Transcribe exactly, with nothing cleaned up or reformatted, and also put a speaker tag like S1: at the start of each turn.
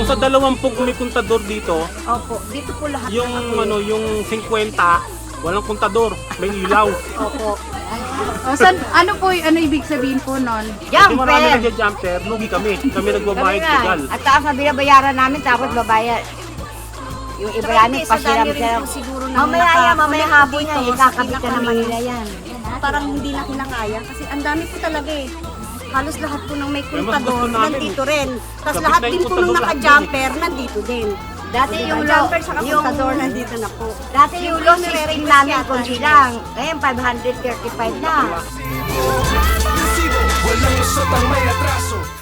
S1: sa dalawampung may kontador dito,
S2: Opo, dito po lahat
S1: yung
S2: ng ako.
S1: ano, yung fifty, walang kontador, may ilaw.
S2: Opo.
S3: O, san, ano po, y- ano ibig sabihin po nun?
S1: Kasi marami
S2: Jumper!
S1: nagja-jumper, lugi kami. Kami
S2: Kami
S1: nagbabayad
S2: nga.
S1: legal.
S2: At taas na binabayaran namin, tapos babayad. Yung iba namin, pasiram siya.
S4: siguro na
S2: Mamaya yan, mamaya hapon yan, ikakabit ka naman nila yan.
S4: Parang hindi na kinakaya kasi ang dami po talaga eh. Halos lahat po ng may
S1: Kaya mas gusto
S4: kontador,
S1: namin,
S4: nandito rin. Tapos
S1: kapit
S4: lahat
S1: na yung
S4: din po nung
S1: kontador lahat
S4: naka-jumper, nandito din.
S2: Dati yung
S4: Yung
S2: lo,
S4: jumper sa
S2: yung,
S4: kontador, nandito na po.
S2: dati yung low system
S4: nire-request
S2: namin
S4: yata
S2: kunti
S4: nila.
S2: lang. Ngayon, five hundred thirty-five na.
S5: Walang lusot ang may